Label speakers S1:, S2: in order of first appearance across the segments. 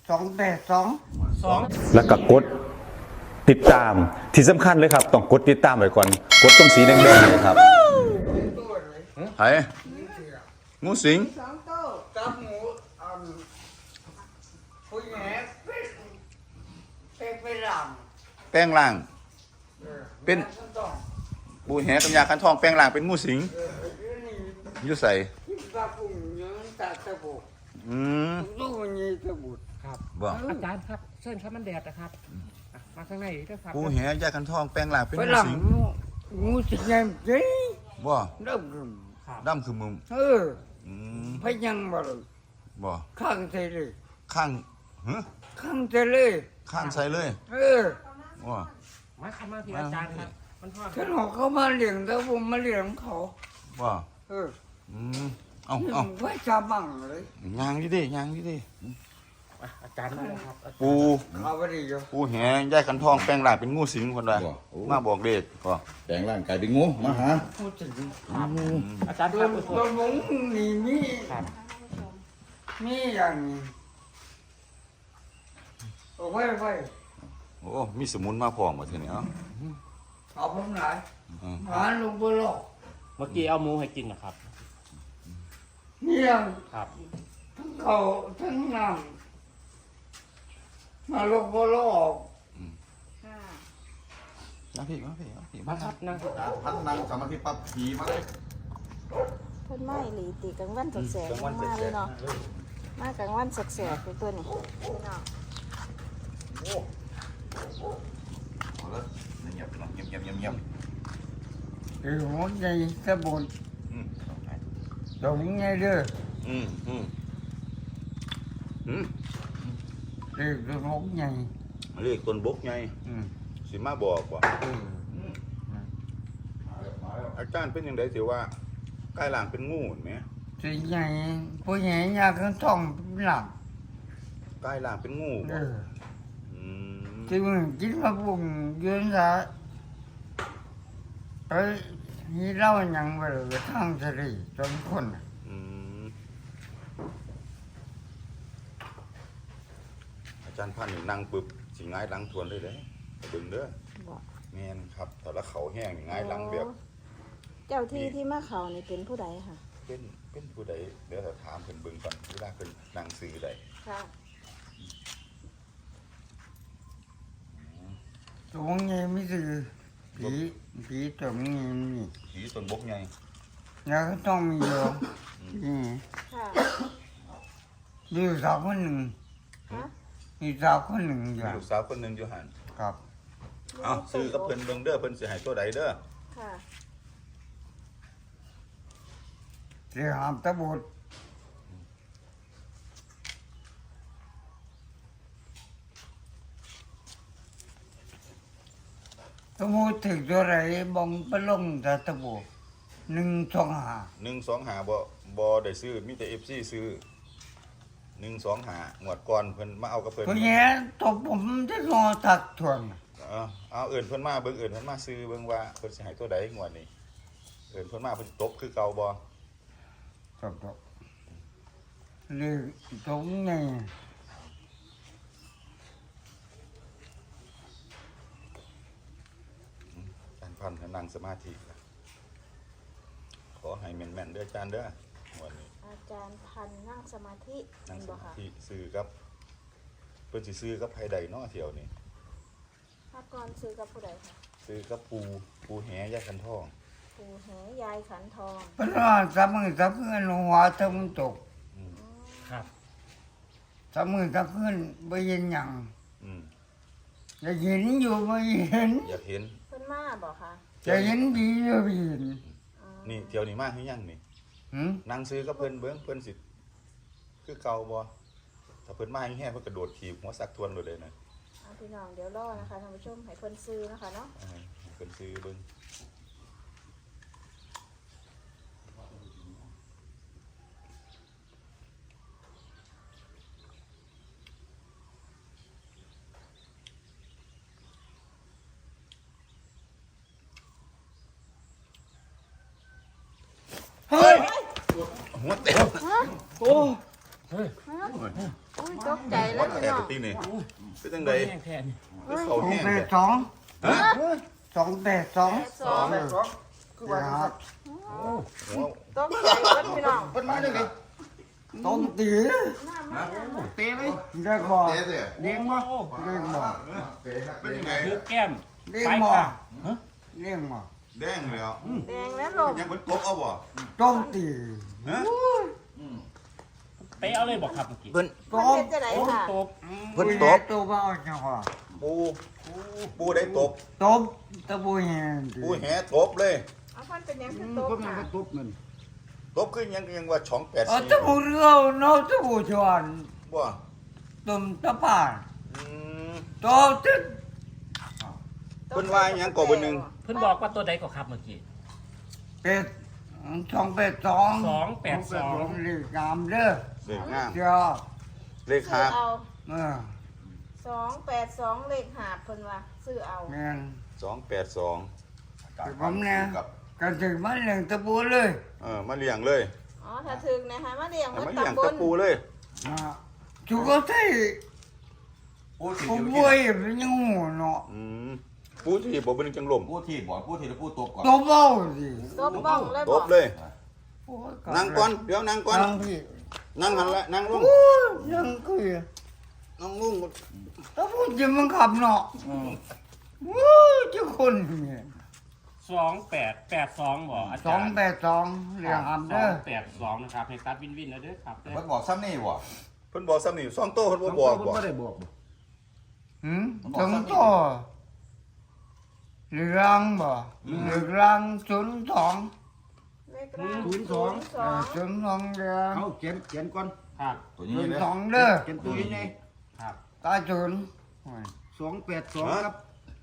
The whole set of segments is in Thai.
S1: 282
S2: แล้วก็กดติดตามที่สำคัญเลยครับต้องกดติดตามไว้ก่อนกดตรงสีแดงๆเลยครับไอ้งูสิง
S1: 2ตัวกับหมูผู้แห่เป็นหลัง
S2: แป้งล่างเป็นปูแหกับยาคันทองแป้งล่างเป็นงูสิงอยู่ใส่
S1: ปลาปุ่งยืนตาตะบุกตู้นี้ตะบุก
S3: ครับ
S2: บ่
S3: อาจารย์ครับเส้นครับมันแดดนะครับมาข้างในด้วยครับ
S2: ปูแหยาคันทองแป้งล่างเป็น
S1: ฝ
S2: งู
S1: รั่ง
S2: สิง
S1: งูสิงไงจี
S2: บ่
S1: เริ่มขึ้น
S2: ดำคือมุม อืม
S1: พยังบ่เลย
S2: บ่
S1: ข้างเทเลย
S2: ข้างฮะ
S1: ข้างเทเลย
S2: ข้างใส่เลย บ่
S3: มาครับมาที่อาจารย์ครับมันทอด
S1: ฉันบอกเขามาเลี้ยงแต่ผมมาเลี้ยงเขา
S2: บ่ อืมเอ้า
S1: ไว้ชาบังเลย
S2: ยางดิยางดิ
S3: อาจารย์มาแล้วครับ
S2: ปู
S1: เอาไปดีอยู่
S2: ปูแหยาคันทองแป้งล่างเป็นงูสิงคนว่ามาบอกเด็กก็
S4: แปลงร่างกายเป็นงูมาหา
S1: พูดถึง
S3: อาจารย์
S1: ตั
S3: คว รับ
S1: ตัวหมูนี่มี
S3: ครับ
S1: มีอย่างนี้เอาไว้ไว้
S2: โอ้มีสมุนมาพร้อมบ่ทีนี้เอ้า
S1: เอาผมไหน
S2: อืม
S1: หาลงบนโลก
S3: เมื่อกี้เอาหมูให้กินนะครับ
S1: เนี่ย
S3: ครับ
S1: ทั้งเขาทั้งน้ำมาลงบนโลก
S2: มาพี่
S3: มาครับนั่ง
S4: พัฒนาสมาธิปั๊บผีมาเลย
S5: เพิ่นไม่หลีตีกลางวันแสกๆมาเลยเนาะมากลางวันแสกๆเป็นตัวนี้พี่น้อง
S4: เอาละเงียบๆเงียบ
S1: ไอ้หัวใจสะบุน
S2: อืม
S1: ตรงนี้เด้อ
S2: อืมอืมอืม
S1: ไอ้หัวใจ
S2: เรียกต้นบกไงสิมาบอกว่าอาจารย์เป็นยังไงสิว่าใกล้หลังเป็นงูเห็นไหม
S1: สิใหญ่ผู้ใหญ่อยากกันท่องหลัง
S2: ใกล้หลังเป็นงูบ่ม
S1: ที่มึงกินมาปุ่งยืนซะเอ้ยนี่เล่าอย่างไปเลยทางสรีจนคน
S2: อืมอาจารย์พันธุ์นี่นั่งปึ๊บสิง่ายหลังทวนเลยเด้ไปเบิ่งเด้อ
S5: บอก
S2: แม่นครับแต่ละเขาแห้งนี่ง่ายหลังแบบ
S5: เจ้าที่ที่มาเขานี่เป็นผู้ใดค่ะ
S2: เป็นผู้ใดเดี๋ยวเราถามเพิ่นเบิ่งก่อนเวลาเพิ่นนั่งสื่อใด
S5: ค่ะ
S1: ตรงนี้ไม่ถือผีตรงนี้มี
S2: ผีต้นบกไง
S1: แล้วก็ต้องมีอยู่นี่
S5: ค่ะ
S1: มีอยู่สาวคนหนึ่ง
S5: ฮะ
S1: มีสาวคนหนึ่งอ
S2: มี
S1: ยู่
S2: ลูกสาวคนหนึงอยู่หั่น
S1: ครับ
S2: เอ้าซื้อกับเพิ่นเบิ่งเด้อเพิ่นสิให้ตัวใดเด้อ
S5: ค่ะ
S1: ที่หามตะบุดตะบุดถึงตัวไหนบองไปลงแต่ตะบุด125
S2: บ่ได้ซื้อมีแต่ FC ซื้อ125งวดก่อนเพิ่นมาเอากับเพิ่น
S1: ผู้ใหญ่ตบผมจะงอตักทวน
S2: เอาเอิ้นเพิ่นมาเบิ่งเอิ้นเพิ่นมาซื้อเบิ่งว่าเพิ่นสิให้ตัวใดงวดนี้เอิ้นเพิ่นมาเพิ่นสิตบคือเก่าบ่
S1: ตบเรื่องตรงนี้
S2: อาจารย์พันธ์ให้นั่งสมาธินะขอให้แม่นๆเด้ออาจารย์เด้อวันนี้
S5: อาจารย์พันนั่งสมาธิ
S2: นั่
S5: เป็
S2: ง
S5: น
S2: ส
S5: บ่
S2: มา
S5: ค่ะ
S2: ธิซื้อกับเพิ่นสิซื้อกับไผใดเนาะเที่ยวนี้
S5: ถ้าก่อนซื้อกับผู้ใดค่ะ
S2: ซื้อกับปูแหยาคันทอง
S5: ปู่แหยายขันทอง
S1: เพราะว่าสามมือสามคืนหัวตะมันตก
S3: ครับ
S1: สามมือสามคืนไม่เห็นหยัง
S2: อืม
S1: จะเห็นอยู่ไม่เห็น
S2: อยากเห็น
S5: เพิ่นมาบ่ค่ะ
S1: จะเห็นผีอยู่ไม่เห็น
S5: อ๋อ
S2: นี่เที่ยวนี้มาคือยังนี่
S1: หืม
S2: นั่งซื้อกับเพิ่นเบิ่งเพิ่นสิคือเก่าบ่ถ้าเพิ่นมาแห้งๆเพิ่นกระโดดถีบหัวสักทวนเลยนะ
S5: เอาพี่น้องเดี๋ยวรอนะคะท่านผู้ชมให้เพิ่นซื้อนะคะเนาะ
S2: เพิ่นซื้อเบิ่ง
S1: เฮ้ย
S2: หัวเต็ม
S3: โอ้
S5: ฮะอุ้ยตกใจ
S2: วั
S5: แล้ว
S2: ด
S5: พี่
S2: แขก
S5: น้อง
S2: ตีนี่เป็นจังได
S3: แห้งแทน
S2: คือเขา
S1: 2
S2: แห้ง
S1: 8
S2: เลย
S1: 2
S2: ฮะ
S1: 2 8 2
S5: สอง
S1: ครับ
S5: ตกใจแล้วพี่น้อง
S4: เพิ่นมาจังได๋
S1: ต้องตี
S3: เตะเลย
S1: ได้บ่
S4: เตะสิ
S1: เลี้ยงบ่เลี้ยงบ่
S2: เป็นยังไง
S3: คือแก้ม
S1: เลี้ยง
S3: ไป
S1: บ่
S3: ค่ะ
S1: เลี้ยงบ่
S2: แดงแล้ว
S5: แดงแล้วลม
S2: ยังเป็นกบเอาบ่
S1: ต้องตี
S2: ฮะ
S3: เตะเอาเลยบอกครับเมื่อกี้
S2: เพิ่น
S5: มันเป็นจะไหนค่ะ
S3: ตบ
S2: เพิ่นตบ
S1: ตัวบ่เอาจังหวะ
S2: ปูได้ตบ
S1: ตบตะบุยแหง
S2: ปูแหตบเลย
S5: เอาพันเป็นยังคือตกค่ะ
S2: ตบขึ้นยังว่าช่องแปด
S1: เอา
S2: สี่
S1: ตะบุเรือเนาะตะบุชวน
S2: บ่
S1: ตุ่มตะป่าน
S2: อืม
S1: โตตึ๊ด
S2: เพิ่นว่าหยังก่อเบอร์หนึ่ง
S3: เพิ่นบอกว่าตัวใดก็ครับเมื่อกี้
S1: เป็ด2 8 2
S3: 282
S1: เรียกงามเด้อ
S2: เลขงาม
S1: เจ้า
S2: เลข
S5: ซื้อ
S2: หาบ
S5: เอา
S1: เออ
S5: 282เลขหาบเพิ่นว่าซื้อเอา
S1: แม่น
S2: 282
S1: คือผมเนี่ยกันถึงมาเลี้ยงตะบุเลย
S2: มาเลี้ยงเลย
S5: อ๋อถ้าถึงนะคะมาเลี้ยง
S2: เอา
S5: มัน
S2: มาเลี้ยง
S5: ตำบ
S2: ตะ
S5: ล
S2: ปูเลย
S1: นะจุกใส่
S4: ปูที่
S1: ผมบ่อยเป็นยังหูเนาะ
S2: อืมปูที่บ่เป็นจังลม
S4: ปูที่บ่ปูที่แล้วปูตบก่อน
S1: ตบเอาสิ
S5: ตบบ้องเลย
S2: ต
S5: บอก
S2: บเลย
S1: โอ้ย
S2: นั่งก่อนเดี๋ยวนั่งก่อน
S1: นั่งพี่
S2: นั่งหันละนั่งลง
S1: โอ้ยนั่งคุย
S2: นั่งลง
S1: ถ้าพูดจริงมันขับเนาะโอ้ยเจ้าคนเนี่ย
S3: 2882บ่อา
S1: สอ
S3: จาง รย์
S1: แปดสองเรียงอับเด้อ
S3: 282นะครับให้ตัดวินแล้วเด้อครับเด้อ
S4: เพิ่นบอกซ้ำนี่บ่
S2: เพิ่นบอกซ้ำนี่2โตเพิ่นบ่บอกบ่
S1: หืมถึงต่อเรืองบ่เรือง02
S5: เลขร่าง
S1: 02เรือง
S6: เอาเขียนก่อน
S3: ครับ
S4: ตัวนี้เลย
S1: 02เด้อ
S6: เขียนตัวนี้ไง
S3: ครับ
S1: ตาศูนย์
S6: 282ครับ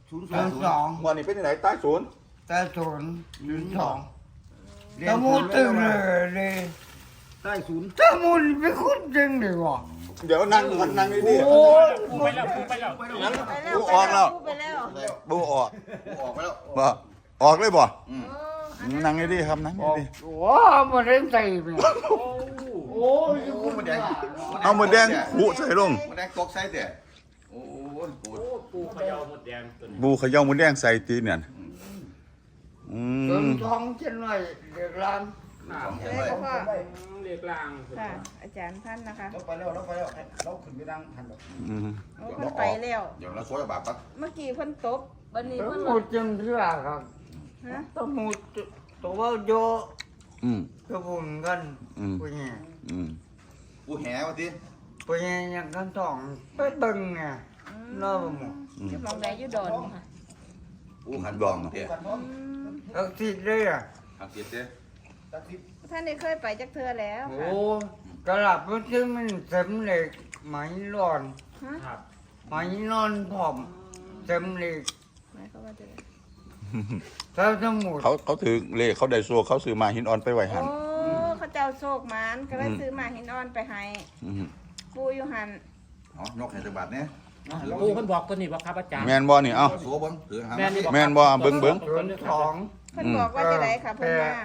S1: 02
S2: วันนี้เป็นที่ไหนใต้ศูนย์
S1: ตาศูนย์02ตะมูตึงเลย
S6: ใต้ศูนย์
S1: ตะมูนี่เป็นคนจริงดีว่ะ
S2: เดี๋ยวนั่งนั่งดี
S1: โอ้ย
S3: ปูไปแล้วปูไปแล้ว
S5: ไปแล้ว
S2: ปูออกแล้ว
S5: ไปแล้ว
S2: ๆปูออก
S4: ออกไปแล้ว
S2: บ่ออกเลยบ่
S5: เออ
S2: นั่งดีๆครับนั่งดี
S1: ว้ามันเล่นใจไปโอ้ย
S4: โอ้มันแดง
S2: ๆเอามือแดงหูใส่ลง
S4: มันแดงตกใส่เด้โอ้ปู
S3: ปูเขย่าหมดแดงตัวนี้
S2: บูเขย่ามือแดงใส่ตีเนี่ยอื
S1: จน
S2: ม
S1: ท้องเช่นไรเด็กร้าน
S5: เลขพ่อ
S3: เรียกลาง
S5: ค่ะ อาจารย์พันนะคะ
S6: เราไปแล้วเราขึ้นไปดังทันดอก
S2: อืม
S5: โอ้เพิ่นไปแล้ว
S4: เดี๋ยวเราสวยบาปปั๊บ
S5: เมื่อกี้เพิ่นตบวันนี้
S1: ตะ
S5: เพิ่น
S1: มูจำเชื่อครับ
S5: ฮะ
S1: ตะมูตัวโย
S2: อืม
S1: กระบุนกัน
S2: อืม
S1: ปุ้ย
S2: อืม
S4: ปูแหว่าติ
S1: ปุ้ยยังกันต้องไปเบิ่งไงน้องหมู
S5: ที่มองแดอยู่ดอนค่ะ
S4: ปูหันดองเด้
S1: เอาสิเลยอ่ะ
S4: หักเสียเด้
S5: ท่านได้เคยไปจักเทื่อแล้ว
S1: โอ้
S5: ค่ะ
S1: กระหลับมันซึ่งมันสำเร็จไหมร้อน
S3: ครับ
S1: ไหมนอนผอมสำเร็จ
S5: หมายความว่าจะได้
S1: ถ้าสมุด
S2: เขาถือเลขเขาได้ซัวเขาซื้อมาหินอ่อนไปไว้หัน
S5: โอ้เขาเจ้าโชคหมานก็เลยซื้อหมาหินอ่อนไปให้
S2: อืม
S5: ปูอยู่หัน
S4: อ๋อนกให้จักบาทเนี่ย
S3: ปูเพิ่นบอกตัวนี้บ่ครับอาจารย์
S2: แม่นบ่นี่เอ้า
S4: สัวบนถือหา
S3: แม่นี่
S2: แม่นบ่เบิ่ง
S1: ส่วนสอง
S5: เพิ่นบอกว่าจะได้ค่ะเพิ่นมา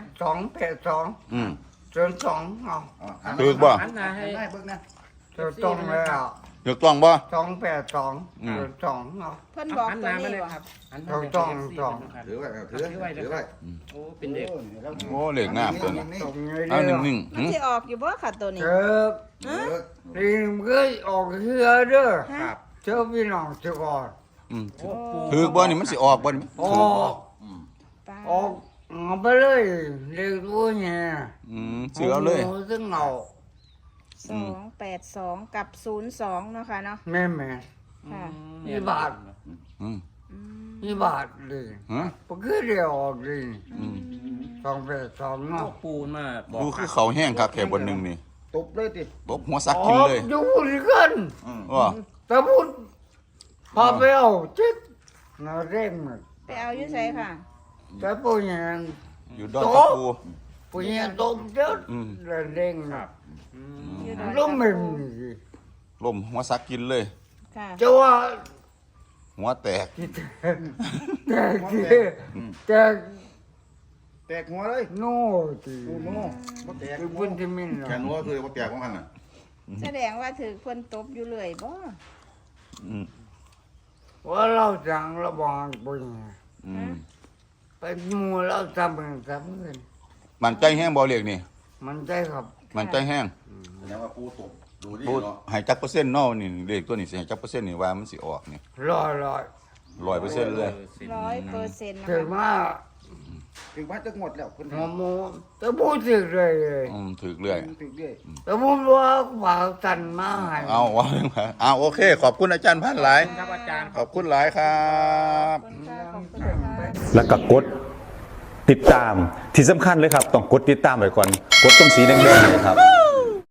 S1: 282
S2: อืม
S1: ส่วนสองเอา
S2: ถือบ่
S3: หันหน้าให้
S6: ได้เบิ่งนะ
S1: ส่วนตรงเลยอ่ะ
S2: ถูกต้องบ่
S1: 282ส่วนสองเอา
S5: เพิ่นบอก
S3: หันห
S5: ตัว
S3: น้ามา
S5: นี้
S3: เลย
S5: บ่
S3: ครับหันห
S1: ต้
S3: น้า
S1: อง
S3: ไป
S1: ต้อง
S3: FC
S1: ต้อง
S3: นะครับ
S4: ถือไว้ถือไว้
S3: โอ้เป็นเด็ก
S2: โอ้เลขงามตัวนี้
S1: ตรงนี้
S2: เอา
S1: เดียว
S2: นิ่ง
S5: มันสิออกอยู่บ่ค่ะตัวนี้
S1: เจอลิงเคยออกเรือเด้อ
S5: ฮะ
S1: เจ้าพี่น้องจะก่อน
S2: ๆอืม
S3: โอ้ปู
S2: ถือบ่นี่มันสิออกบ่นี่
S1: ออก
S5: ปลา
S1: ออกเอาไปเลยเรียกตัวเนี่ย
S2: อืมซื้อเอาเลย
S1: ซึ่งเอา
S5: 282กับ02เนาะค่ะเนาะ
S1: แม่แม่
S5: ค่ะ
S1: ยี่บาท
S2: อืม
S1: ยี่บาทเลย
S2: ฮะ
S1: ปกติเดียวออกเลย
S2: อืม
S1: 282เนาะ
S3: ปูมาบอก
S2: ดูคือเขาแห้งคักแค่บนหนึงนี่
S6: ตบเลยติ
S2: ตบหัวซักกินเลย
S1: อยู่กัน
S2: ว่า
S1: แต่พูดพอไปเอาจิ๊ดน่าเร่งหมด
S5: ไปเอาอยู่ไสค่ะ
S1: แต่ปุ้ยยัง
S2: อยู่ดอนตะปู
S1: ปุ้ยยังตบเจ้า
S2: อืม
S1: เร่งหมด
S5: อยู่ดอน
S1: ล้มมึงสิ
S2: ลมหัวซักกินเลย
S5: ค่ะ
S1: จะว่า
S2: หัวแตก
S1: แต่แต่
S6: แตกหัวเลย
S1: โน่ที
S6: โอ้โหบ่แตก
S1: คือพื้นที่มิน
S4: แขนหัวคือบ่แตกของมันน่ะ
S5: แสดงว่าถือคนตบอยู่เลยบ่
S2: อืม
S1: ว่าเราจังเราบอกปุ้ย
S2: อืม
S1: เป็นหมูเราทำเป็นทำเงิน
S2: มันใจแห้งบ่เรียกนี่
S1: มันใจครับ
S2: มันใจแห้ง
S4: แสดงว่าปูตกดูดิ
S2: พูด
S4: เนาะ
S2: ให้จักเปอร์เซ็นต์เนาะนี่เลขตัวนี้สิให้จักเปอร์เซ็นต์นี่ว่ามันสิออกนี่
S1: รอ
S2: 100%เลย
S5: 100%นะ
S1: ถึง
S5: คะ
S1: มา
S6: ถึงว่าจะงดแล้วคน
S1: หัวหมูจะพูดถึงเลย
S2: ถูกเรื่อย
S6: ถึงเรื่อย
S1: แต่ผมว่าฝากตันมาให้
S2: เอาว่าเอาโอเค ขอบคุณอาจารย์พันหลาย
S3: ครับอาจารย์
S2: ขอบคุณหลายครับ
S5: ขอบคุณค่ะขอบคุณค่ะ
S2: แล้วก็กดติดตามที่สำคัญเลยครับ ต้องกดติดตามไว้ก่อน กดตรงสีแดงๆเลยครับ